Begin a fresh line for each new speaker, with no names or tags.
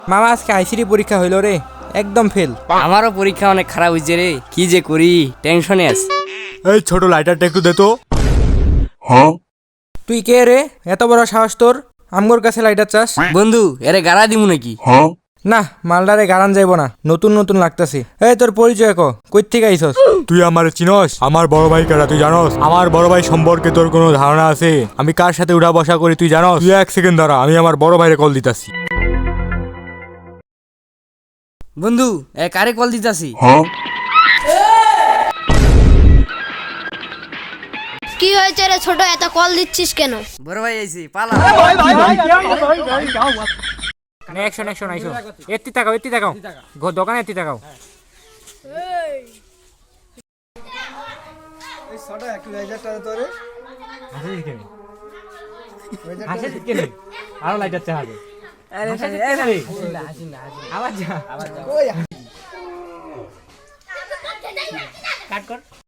মামা আজকে আইসিডি পরীক্ষা হইল রে, একদম ফেল।
আমারও পরীক্ষা অনেক খারাপ হয়েছে রে, কি যে করি, টেনশনে আছি।
এই ছোট লাইটারটা একটু দে তো।
তুই কে রে, এত বড় সাহস তোর আমগোর কাছে লাইটার চাস?
বন্ধু এরে গাড়া দিমু নাকি?
না, মালদারে গারান যাইব না, নতুন নতুন লাগতাছে। এই তোর পরিচয় কই থেকে আইছস?
তুই আমার চিনস? আমার বড় ভাই কারা তুই জানস? আমার বড় ভাই সম্পর্কে তোর কোনো ধারণা আছে? আমি কার সাথে উঠা বসা করি তুই জানস? তুই এক সেকেন্ড দাঁড়া, আমি আমার বড় ভাইরে কল দিতাছি।
বন্ধু কারে কল দিতাছি?
কি হয়েছে রে ছোট, এত কল দিচ্ছিস কেন?
বড় ভাই আইছি, পালা।
অ্যাকশন অ্যাকশন আইছো। এত্তি তাকাও দোকানে এত্তি তাকাও। আরো লাইটার চা হবে। আবার যা